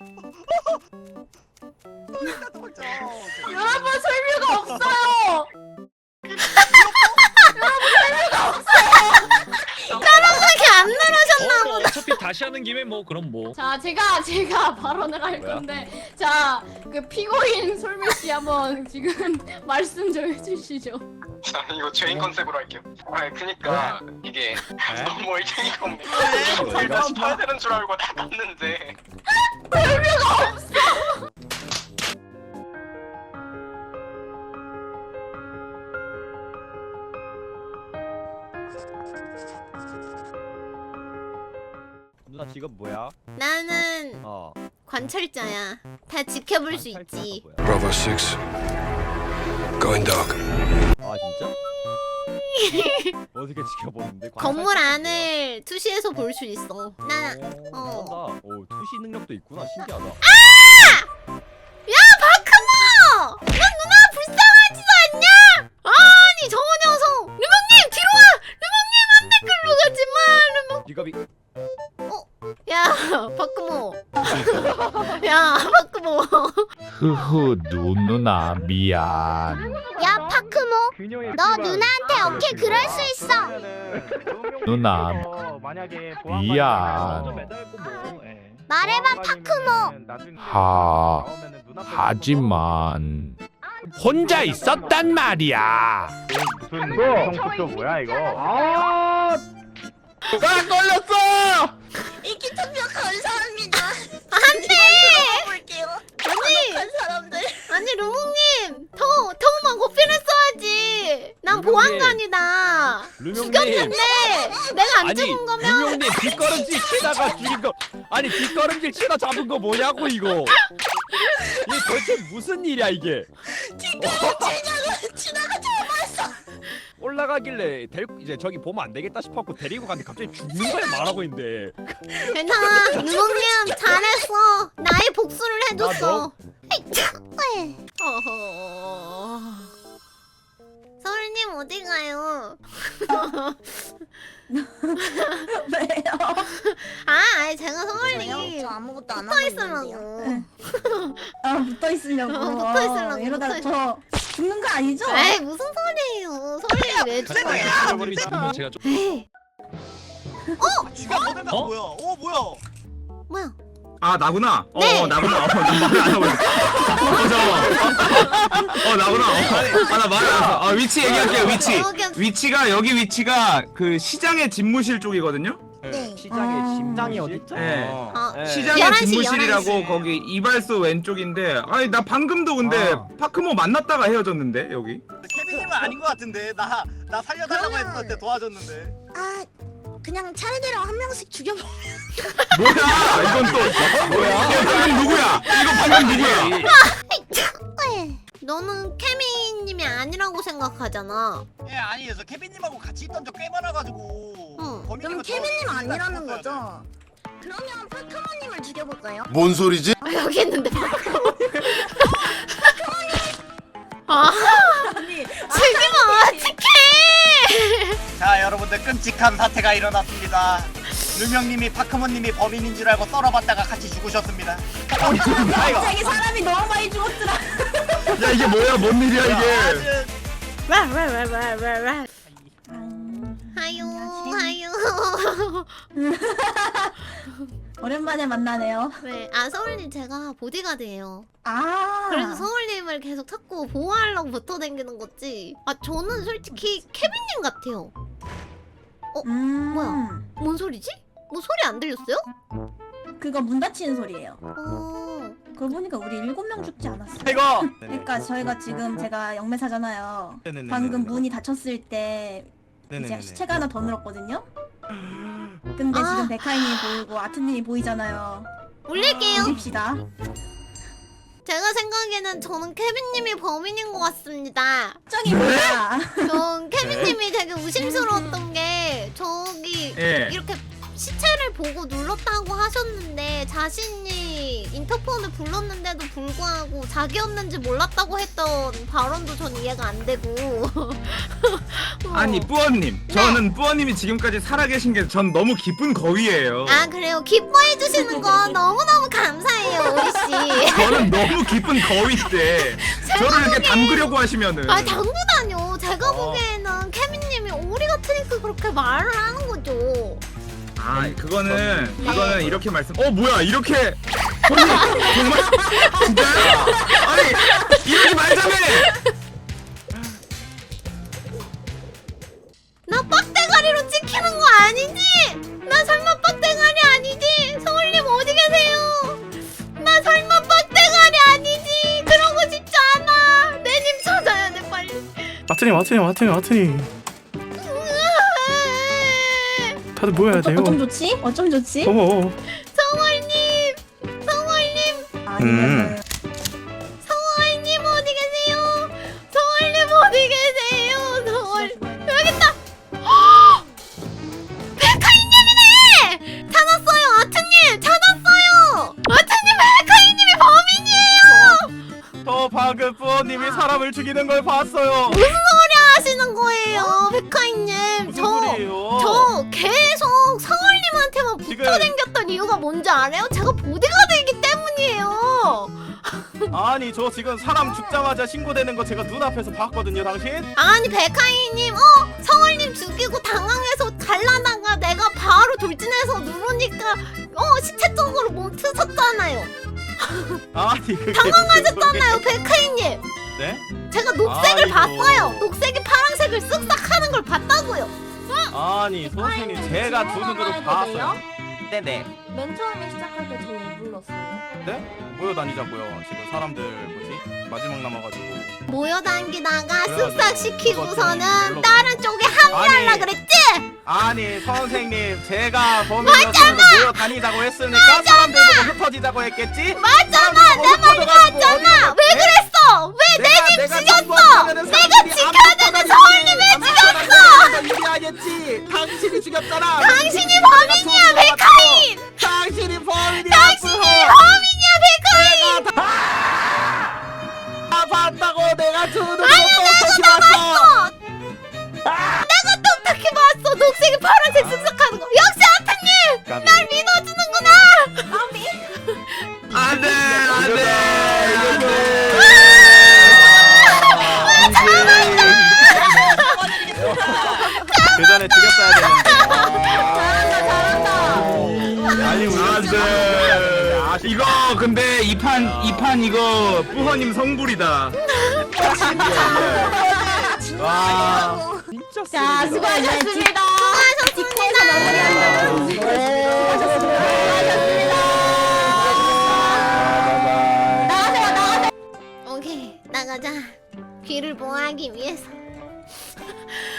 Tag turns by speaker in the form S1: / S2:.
S1: 여러분 설명가 없어요.
S2: 이렇게 안 누르셨나
S3: 뭐 어차피 다시 하는 김에 뭐 그럼 뭐.
S1: 자 제가 발언을 할 건데 자 그 피고인 솔미 씨 한번 지금 말씀 좀 해주시죠.
S4: 자, 이거 죄인 컨셉으로 할게요. 아, 그니까 이게 너무 얼탱이가 없네. 일단 봐야 되는 줄 알고 다 봤는데.
S5: 누나 직업 뭐야?
S2: 나는 관찰자야. 다 지켜볼 수 있지.
S6: Bravo 6. Going dark.
S5: 아 진짜? 어떻게 지켜보는데?
S2: 건물 안을 투시해서 볼 수 있어. 나
S5: 오 투시 능력도 있구나. 신기하다.
S2: 야 바크모! 넌 누나 불쌍하지도 않냐? 아니 저 녀석! 르몽님 뒤로 와! 르몽님 안돼 글로 가지마! 르몽.
S5: 직업이
S2: 야 바크모. 야 바크모.
S7: 흐흐 누누나 미안.
S2: 야 파크모. 너 누나한테 오케이 그럴 수 있어.
S7: 누나 미안.
S2: 말해봐 파크모.
S7: 하지만 혼자 있었단 말이야.
S5: 무슨 성투표 뭐야 이거? 나 걸렸어!
S8: 인기 투표 감사합니다.
S2: 안돼.
S8: 볼게요.
S2: 아니
S8: 사람들.
S2: 아니 루몽님 더만 고필했어야지. 난 보안관이다. 죽였는데 내가 안 죽은 거면
S5: 루명님 뒷걸음질 치다가 죽인 거. 아니 뒷걸음질 치다 잡은 거 뭐냐고 이거. 이게 도대체 무슨 일이야 이게?
S8: 지나가 잡았어.
S5: 올라가길래 이제 저기 보면 안 되겠다 싶었고 데리고 갔는데 갑자기 죽는 거야 말하고 있는데.
S2: 괜찮아. 루몽님 잘했어. 나의 복수를 해줬어. 어허. 서울님 어디 가요?
S8: 왜요?
S2: 아니 제가
S8: 저
S2: 서울님
S8: 아무것도 안
S2: 붙어
S8: 하고
S2: 있으려고.
S8: 있는데요. 아 붙어 있으려고.
S2: 붙어 있으려고,
S8: 이러다가
S2: 붙어
S8: 저 죽는 거 아니죠?
S2: 에이 무슨 소리예요? 서울님 왜 죽어요?
S3: 죽어버리면 지금은 제가 좀.
S2: 에이
S3: 어?
S2: 뭐야?
S9: 아 나구나.
S2: 네.
S9: 나구나. 나구나. 나구나. 나 말했어. 위치 얘기할게요. 위치.
S2: 오케이.
S9: 위치가 여기 위치가 그 시장의 집무실 쪽이거든요.
S8: 네.
S5: 시장의 심장이 어디 있죠?
S9: 네.
S2: 어,
S9: 시장의
S2: 11시,
S9: 집무실이라고
S2: 11시.
S9: 거기 이발소 왼쪽인데. 아니 나 방금도 근데 파크모 만났다가 헤어졌는데 여기.
S10: 케빈님은 아닌 것 같은데 나 살려달라고
S8: 그러면-
S10: 했을 때 도와줬는데.
S8: 아 그냥 차례대로 한 명씩 죽여버.
S9: 뭐야? 이건 또 뭐야? 이거 방금 누구야? 이거 방금 누구야?
S2: 너는 케미님이 아니라고 생각하잖아.
S10: 예 아니 그래서 케빈님하고 같이 있던 적 꽤 많아가지고.
S2: 응.
S8: 그럼 케빈님 아니라는 거죠? 그러면 파크모님을 죽여볼까요?
S6: 뭔 소리지?
S2: 여기 있는데. 아
S8: 아니
S2: 죽이면 어떡해?
S10: 자 여러분들 끔찍한 사태가 일어났습니다. 루명님이 파크모님이 범인인 줄 알고 썰어봤다가 같이 죽으셨습니다.
S8: 갑자기 사람이 너무 많이 죽었더라.
S9: 야 이게 뭐야? 뭔 일이야 이게?
S2: 와와와와와와. 하유 하유.
S8: 오랜만에 만나네요.
S2: 네, 아 서울님 제가 보디가드예요.
S8: 아
S2: 그래서 서울님을 계속 자꾸 보호하려고 붙어 다니는 거지. 아 저는 솔직히 케빈님 같아요. 뭐야? 뭔 소리지? 뭐 소리 안 들렸어요?
S8: 그거 문 닫히는 소리예요. 그거 보니까 우리 7명 죽지 않았어요.
S10: 이거.
S8: 그러니까 저희가 지금 제가 영매사잖아요. 방금 문이 닫혔을 때 이제 시체가 하나 더 늘었거든요. 근데
S2: 아.
S8: 지금 백하이님이 보이고 아트님이 보이잖아요.
S2: 올릴게요.
S8: 올립시다.
S2: 제가 생각에는 저는 케빈님이 범인인 것 같습니다.
S8: 정이 뭐야?
S2: 전 케빈님이 되게 의심스러웠던 게 저기
S9: 예.
S2: 이렇게 시체를 보고 눌렀다고 하셨는데 자신이 인터폰을 불렀는데도 불구하고 자기였는지 몰랐다고 했던 발언도 전 이해가 안 되고.
S9: 아니 뿌어님, 저는 뿌어님이 지금까지 살아계신 게 전 너무 기쁜 거위예요.
S2: 아 그래요? 기뻐해 주시는 거 너무너무 감사해요.
S9: 저는 너무 깊은 거위인데 저를 이렇게 담그려고 하시면은
S2: 아 당구다뇨. 제가 보기에는 케미님이 오리 같으니까 그렇게 말을 하는 거죠.
S9: 아 그거는 이렇게 말씀 뭐야 이렇게 정말 진짜요? 아니 이러지 말자며
S2: 나 빡대가리로 찍히는 거 아니지? 나 설마 빡대가리 아니지? 성울님 어디 계세요? 나 설마 빡대가리 아니지? 그러고 싶지 않아. 내 님 찾아야 돼 빨리.
S11: 마트니 다들 모여야 돼요.
S8: 어쩜 좋지? 어쩜 좋지?
S11: 어머
S2: 성울님
S8: 아니면
S2: 성월님 어디 계세요? 성월님 어디 계세요? 성월 여기 있다. 백하이님이네. 찾았어요, 아트님 찾았어요. 아트님 백하이님이 범인이에요.
S11: 저 방금 부모님이 사람을 죽이는 걸 봤어요.
S2: 무슨 소리 하시는 거예요, 백하이님?
S11: 무슨 소리예요?
S2: 저 계속 성월님한테만 붙어
S11: 지금-
S2: 댕겼던 이유가 뭔지 알아요? 제가 보디가드이기 때문이에요.
S11: 아니 저 지금 사람 죽자마자 신고되는 거 제가 눈앞에서 봤거든요 당신.
S2: 아니 백하이님 성월님 죽이고 당황해서 갈라다가 내가 바로 돌진해서 누르니까 시체 쪽으로 몸 트셨잖아요.
S11: 아니 그게
S2: 당황하셨잖아요 백하이님.
S11: 네?
S2: 제가 녹색을
S11: 아이고.
S2: 봤어요. 녹색이 파란색을 쓱싹 하는 걸 봤다고요.
S11: 아니 선생님 제가 두 눈으로 봤어요. 네네.
S8: 맨 처음에 시작할 때 저 왜 불렀어요?
S11: 네? 모여다니자고요. 지금 사람들 뭐지? 마지막 남아가지고.
S2: 모여다니다가
S11: 그래가지고
S2: 쓱싹 시키고서는
S11: 그거
S2: 다른 쪽에 합류하려
S11: 아니.
S2: 그랬지?
S11: 아니 선생님 제가 범인이었으면 모여다니자고 했으니까 사람들 보고 흩어지자고 했겠지?
S2: 맞잖아, 내 말 맞잖아. 왜 그랬어? 왜 내 집 죽였어? 내가 지켜야 되는 성월님 왜 죽였어?
S11: 얘기하겠지. 당신이 죽였잖아.
S2: 당신이 범인이야 백하인.
S11: 당신이 범인이야.
S2: 당신이 범인이야 백하인.
S11: 다 봤다고 내가 두 눈으로
S2: 아니야
S11: 똑똑히
S2: 내가 다
S11: 봤어.
S2: 봤어. 내가 똑똑히 봤어. 녹색이 파란색 쓱싹하는 거. 역시 아타님 날 믿어주는구나.
S9: 안돼
S11: 그 전에 죽였어야 되는데.
S9: 아니 안돼 이거 근데 이판 이거 뿌허님 성불이다.
S11: 와.
S8: 자, 수고하셨습니다.
S2: 오케이 나가자. 귀를 보호하기 위해서.